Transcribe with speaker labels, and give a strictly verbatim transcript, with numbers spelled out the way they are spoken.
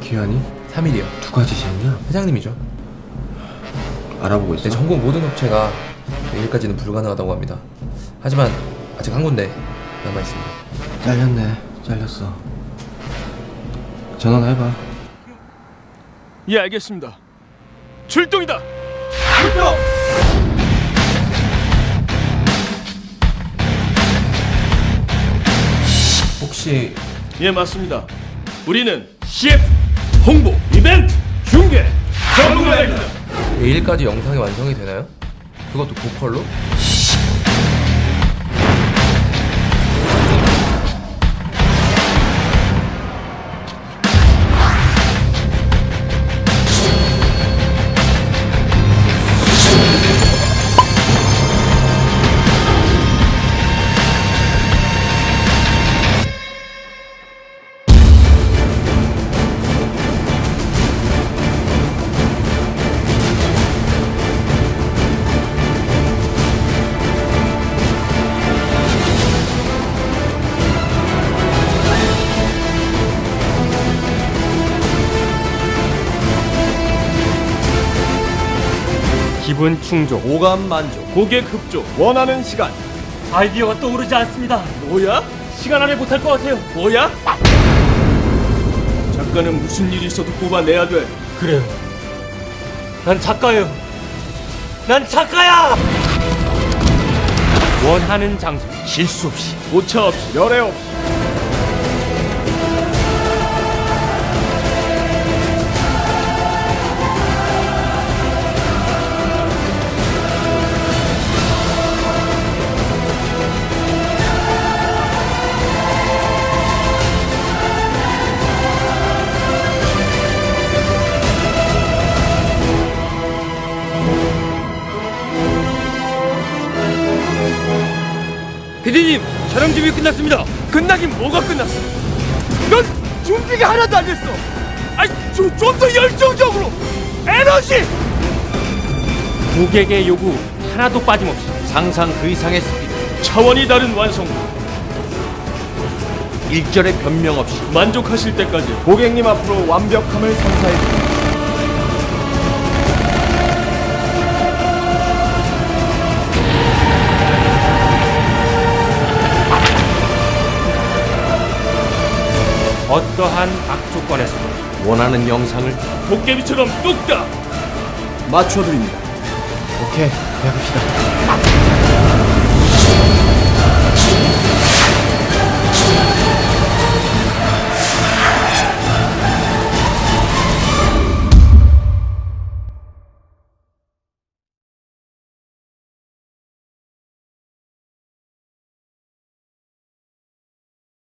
Speaker 1: 기한이?
Speaker 2: 삼 일이요.
Speaker 1: 누가 지시했냐?
Speaker 2: 회장님이죠.
Speaker 1: 알아보고 있어?
Speaker 2: 네, 전국 모든 업체가 내일까지는 불가능하다고 합니다. 하지만 아직 한 군데 남아있습니다.
Speaker 1: 잘렸네. 잘렸어. 전화나 해봐.
Speaker 3: 예, 알겠습니다. 출동이다. 출동.
Speaker 2: 혹시
Speaker 3: 예, 맞습니다. 우리는 씨에프, 홍보, 이벤트, 중계 전부 다 합니다.
Speaker 2: 내일까지 영상이 완성이 되나요? 그것도 보컬로?
Speaker 3: 기분 충족, 오감 만족, 고객 흡족, 원하는 시간.
Speaker 4: 아이디어가 떠오르지 않습니다.
Speaker 3: 뭐야?
Speaker 4: 시간 안에 못할 것 같아요.
Speaker 3: 뭐야? 작가는 무슨 일이 있어도 뽑아내야 돼.
Speaker 4: 그래요. 난 작가예요. 난 작가야! 원하는 장소, 실수 없이.
Speaker 3: 오차 없이, 열애 없이.
Speaker 4: 피디님, 촬영 준비 끝났습니다.
Speaker 3: 끝나긴 뭐가 끝났어? 넌 준비가 하나도 안 됐어. 아이, 좀 더 열정적으로 에너지.
Speaker 4: 고객의 요구 하나도 빠짐없이 상상 그 이상의 스피드,
Speaker 3: 차원이 다른 완성도.
Speaker 4: 일절의 변명 없이
Speaker 3: 만족하실 때까지 고객님 앞으로 완벽함을 선사해.
Speaker 4: 어떠한 악조건에서도 원하는 영상을
Speaker 3: 도깨비처럼 뚝딱 맞춰드립니다.
Speaker 1: 오케이. 계약합시다.